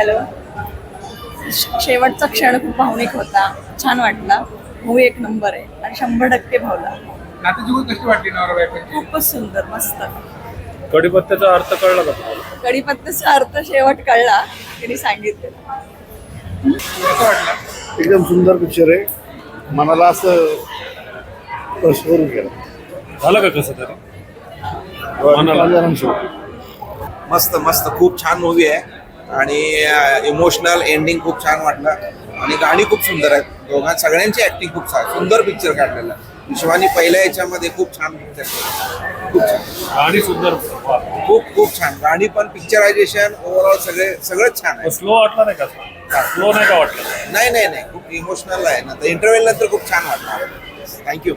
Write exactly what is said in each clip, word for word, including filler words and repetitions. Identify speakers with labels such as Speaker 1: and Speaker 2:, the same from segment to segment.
Speaker 1: Hello. शेवटचा क्षण खूप भावनिक होता, छान वाटला. मूवी एक नंबर आहे आणि शंभर टक्के भावला.
Speaker 2: नात्याची गोष्ट कशी वाटली नवरा बायकोची?
Speaker 1: खूपच सुंदर, मस्त.
Speaker 3: कढीपत्त्याचा अर्थ कळला का तुम्हाला?
Speaker 1: कढीपत्त्याचा अर्थ शेवट कळला, त्यांनी सांगितलं.
Speaker 2: कसं वाटलं?
Speaker 4: एकदम सुंदर पिक्चर आहे. मनाला असं स्पर्श करून गेलं.
Speaker 3: झालं का कसं तरी?
Speaker 5: मस्त मस्त खूप छान मूवी आहे आणि इमोशनल एंडिंग खूप छान वाटलं आणि गाणी खूप सुंदर आहेत. दोघां सगळ्यांची ऍक्टिंग खूप छान, सुंदर पिक्चर काढलेला. शिवानी पहिल्या याच्यामध्ये खूप छान पिक्चर खूप छान
Speaker 3: गाणी सुंदर,
Speaker 5: खूप खूप छान गाणी पण पिक्चरायझेशन ओव्हरऑल सगळे सगळंच छान आहे.
Speaker 3: स्लो वाटला नाही का? स्लो नाही का वाटलं?
Speaker 5: नाही नाही नाही खूप इमोशनल आहे ना. इंटरव्ह्यू नंतर खूप छान वाटलं. थँक्यू.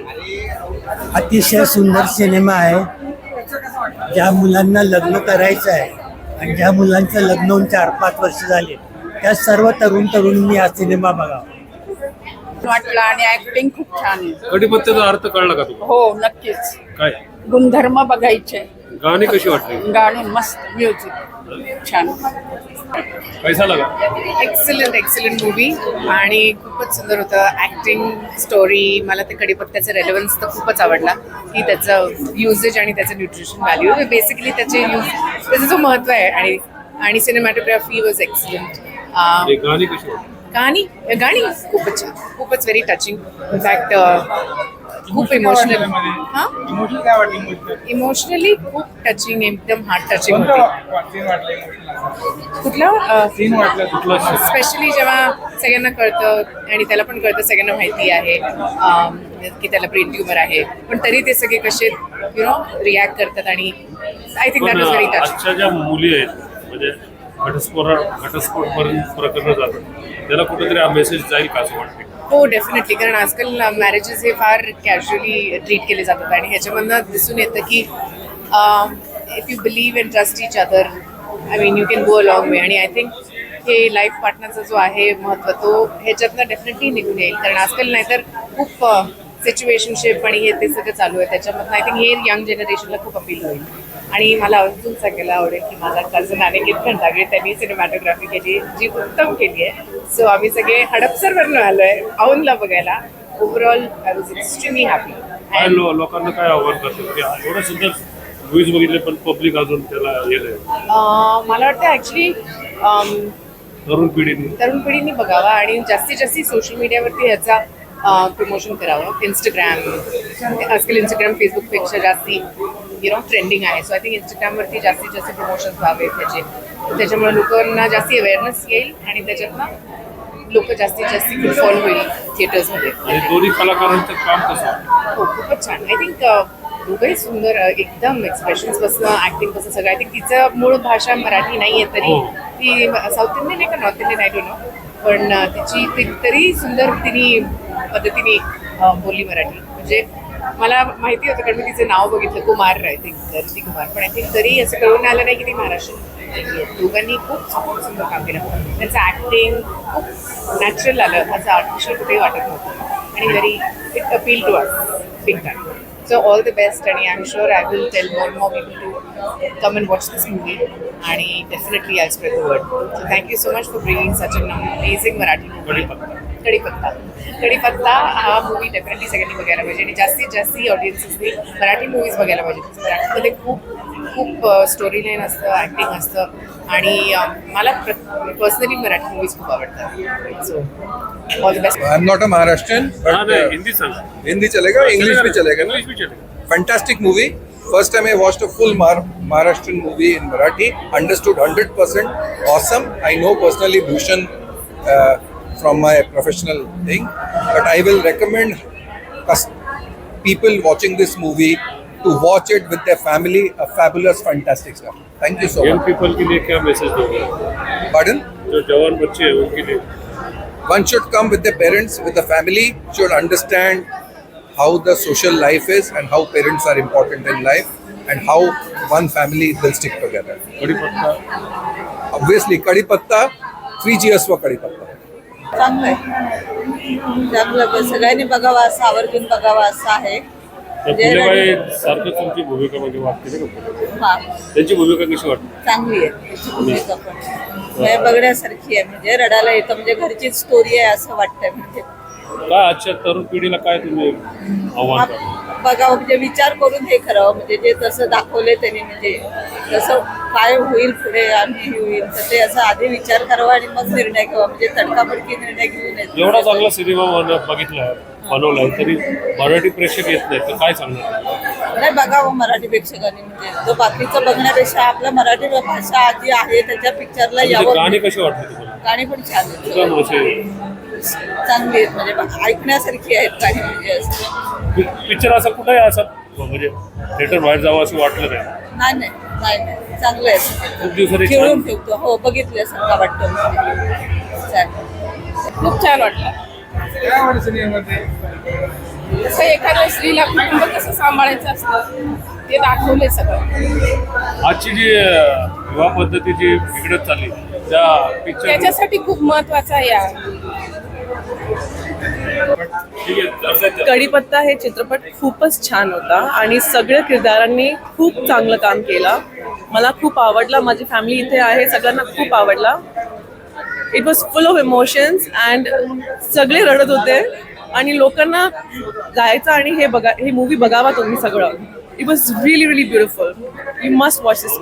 Speaker 6: अतिशय सुंदर सिनेमा आहे. ज्या मुलांना लग्न करायचं आहे आणि ज्या मुलांचं लग्न होऊन चार पाच वर्ष झाले त्या सर्व तरुण तरुणींनी हा सिनेमा बघावा.
Speaker 1: वाटला आणि ऍक्टिंग खूप छान आहे.
Speaker 3: कढीपत्त्याचा अर्थ कळला का तुम्हाला?
Speaker 1: हो, नक्कीच.
Speaker 3: काय
Speaker 1: गुणधर्म बघायचे.
Speaker 3: गाणी कशी वाटली?
Speaker 1: गाणी मस्त, म्युझिक छान.
Speaker 3: पैसा लागा?
Speaker 7: एक्सलंट एक्सलंट मूवी आणि खूपच सुंदर होतं. ॲक्टिंग, स्टोरी, मला ते कढीपत्त्याचा रेलेव्हन्स तर खूपच आवडला की त्याचं युजेज आणि त्याचं न्यूट्रिशन व्हॅल्यू बेसिकली त्याचे यूज त्याचं जो महत्त्व आहे आणि आणि सिनेमॅटोग्राफी वॉज एक्सलंट.
Speaker 3: गाणी कशी वाटली?
Speaker 7: गाणी गाणी खूपच छान, खूपच व्हेरी टचिंग. इनफॅक्ट खूप इमोशनल. हां,
Speaker 2: इमोशनल काय वाटली मूवीचं?
Speaker 7: इमोशनली खूप टचिंग, एकदम हार्ट टचिंग
Speaker 2: कोणतं
Speaker 7: होती.
Speaker 2: वा- सीन वाटलं इमोशनल?
Speaker 7: कुठलं
Speaker 2: सीन वाटलं कुठलं?
Speaker 7: स्पेशली जेव्हा सगळ्यांना कळतं आणि त्याला पण कळतं, सगळ्यांना माहिती आहे अम, की त्याला ब्रेन ट्युमर आहे, पण तरी ते सगळे कसे यु नो रिॲक्ट करतात आणि I think that was very touching.
Speaker 3: आजच्या ज्या मुली आहेत म्हणजे घटस्फोट घटस्फोट पर्यंत प्रकरण जातात, त्याला कुठेतरी हा मेसेज जाईल का असं वाटतं?
Speaker 7: हो, डेफिनेटली. कारण आजकाल मॅरेजेस हे फार कॅज्युअली ट्रीट केले जातात आणि ह्याच्यामधनं दिसून येतं की if you believe and trust each other, I mean you can go a long way. आणि आय थिंक हे लाईफ पार्टनरचा जो आहे महत्त्व, तो ह्याच्यातनं डेफिनेटली निघून येईल. कारण आजकाल नाहीतर खूप सिच्युएशनशिप आणि हे ते सगळं चालू आहे, त्याच्यामधनं आय थिंक हे यंग जनरेशनला खूप अपील होईल. आणि मला अजून सांगायला आवडेल की माझा कझन अनिकेत खंडागळे, त्यांनी सिनेमॅटोग्राफी केली जी उत्तम केली आहे. सो आम्ही सगळे हडपसरवरनं आलो आहे औंधला बघायला. Overall I was extremely happy.
Speaker 3: काय लो- लोकांना काय आव्हान करतात की एवढं सुंदर मूवीज बघितले पण पब्लिक अजून त्याला हे नाही,
Speaker 7: मला वाटतं ॲक्च्युली
Speaker 3: तरुण पिढीने
Speaker 7: तरुण पिढीने बघावा आणि जास्तीत जास्त सोशल मीडियावरती ह्याचा प्रमोशन करावं. इंस्टाग्राम, आजकाल इंस्टाग्राम फेसबुकपेक्षा जास्ती यु नो ट्रेंडिंग आहे. सो आय थिंक इंस्टाग्रामवरती जास्तीत जास्त प्रमोशन्स व्हावेत त्याचे. त्याच्यामुळे लोकांना जास्ती अवेअरनेस येईल आणि त्याच्यातनं लोक जास्तीत जास्त फुटफॉल होईल थिएटर्समध्ये.
Speaker 3: आणि दोन्ही कलाकारांचं काम कसं वाटतं?
Speaker 7: हो, खूपच छान. आय थिंक दोघंही सुंदर, अ, एकदम एक्सप्रेशन्सपासून ॲक्टिंगपासून सगळं. आय थिंक तिचं मूळ भाषा मराठी नाही आहे तरी ती साऊथ इंडियन आहे का north Indian I don't know, पण अ, तिची ती तरी सुंदर तिने पद्धतीने अ, बोलली मराठी. म्हणजे मला माहिती होतं कारण मी तिचं नाव बघितलं, कुमार आय थिंक ऋती कुमार, पण आय थिंक तरी असं कळून आलं नाही की ती महाराष्ट्रीयन. दोघांनी खूप सुंदर सुंदर काम केलं. त्यांचं ॲक्टिंग खूप नॅचरल आलं, असं आर्टिफिशियल कुठेही वाटत नव्हतं आणि very it appeal to us big time. So all the best and I'm sure I will tell more and more people to come and watch this movie and definitely I'll spread the word. So thank you so much for bringing such an amazing Marathi movie. कढीपत्ता. कढीपत्ता हा movie definitely सगळ्यांनी बघायला पाहिजे आणि जास्तीत जास्त ऑडियन्सेसनी Marathi movies बघायला पाहिजे. मराठीमध्ये खूप खूप स्टोरी लाईन असतं, ॲक्टिंग असतं आणि अ, मला पर्सनली मराठी मूवीज खूप आवडतात. So all the best.
Speaker 2: I am not a Maharashtrian
Speaker 3: हा,
Speaker 2: बट
Speaker 3: नाही, हिंदी सांगा.
Speaker 2: हिंदी चलेगा, इंग्लिश भी चलेगा ना?
Speaker 3: इंग्लिश भी चलेगा.
Speaker 2: Fantastic movie. First time I watched a full Mar- Maharashtrian movie in Marathi. Understood one hundred percent. Awesome. I know personally Bhushan uh, from my professional thing, but I will recommend us people watching this movie to watch it with their family. A fabulous, fantastic stuff. Thank you so
Speaker 3: young
Speaker 2: much.
Speaker 3: People के लिए क्या message दोगे?
Speaker 2: Pardon?
Speaker 3: जो जवान बच्चे हैं उनके लिए
Speaker 2: One should come with their parents, with the family. Should understand how the social life is and how parents are important in life and how one family will stick together.
Speaker 3: कढीपत्ता
Speaker 2: Obviously, Kadipatta, three cheers for Kadipatta.
Speaker 1: चांगलं आहे, चांगलं. सगळ्यांनी बघावं, असं आवर्जून बघावं असं आहे.
Speaker 3: तर फुलेबाई सारखं तुमची भूमिका म्हणजे वाटते ना का?
Speaker 1: हा
Speaker 3: त्यांची भूमिका कशी वाटते?
Speaker 1: चांगली आहे त्याची भूमिका पण म्हणजे बघण्यासारखी आहे, म्हणजे रडायला येतं, म्हणजे घरचीच स्टोरी आहे असं वाटतंय. म्हणजे
Speaker 3: काय आजच्या तरुण पिढीला काय तुम्ही आव्हान
Speaker 1: आप-
Speaker 3: करता?
Speaker 1: बघावं, म्हणजे विचार करून हे करावं, म्हणजे जे तसं दाखवले त्यांनी, म्हणजे तसं काय होईल पुढे आणि हे होईल तर ते असं आधी विचार करावा आणि मग निर्णय घ्यावा, म्हणजे तडकाफडकी निर्णय घेऊ नये.
Speaker 3: एवढा चांगला सिनेमा बन- बघितलाय बनवलाय तरी मराठी प्रेक्षक येत नाही तर काय सांगणार?
Speaker 1: नाही, बघावं मराठी प्रेक्षकांनी, म्हणजे तो बाकीचं बघण्यापेक्षा आपलं मराठी भाषा आधी आहे त्याच्या पिक्चरला
Speaker 3: म्हणजे
Speaker 1: यावं.
Speaker 3: गाणी कशी वाटली तुम्हाला?
Speaker 1: गाणी पण छान आहेत,
Speaker 3: एकदम असे
Speaker 1: चांगली आहेत, म्हणजे बघ- ऐकण्यासारखी आहेत गाणी, म्हणजे असं
Speaker 3: पिक्चर असं कुठे असं म्हणजे थिएटर बाहेर जावं असं वाटलं नाही.
Speaker 1: नाही नाही नाही नाही चांगलं आहे,
Speaker 3: खूप दिवसांनी
Speaker 1: खेळून
Speaker 3: छान
Speaker 1: ठेवतो. हो, बघितलं असं का वाटतं म्हणजे. चालेल.
Speaker 8: खूप छान वाटलं. कसं एखाद्या स्त्रीला कुटुंब कसं सांभाळायचं असतं ते दाखवले सगळं.
Speaker 3: आजची जी अं, विवाह पद्धती जी बिघडत चालली त्या पिक्चर
Speaker 8: त्याच्यासाठी खूप महत्वाचं आहे या
Speaker 3: ठीक आहे दर्शक
Speaker 9: कढीपत्ता हे चित्रपट खूपच छान होता आणि सगळ्या किरदारांनी खूप चांगलं काम केलं. मला खूप आवडला, माझी फॅमिली इथे आहे, सगळ्यांना खूप आवडला. It was full of emotions and सगळे रडत होते आणि लोकांना जायचं आणि हे बघा हे मूवी बघावा तुम्ही सगळं. It was really really beautiful. You must watch this.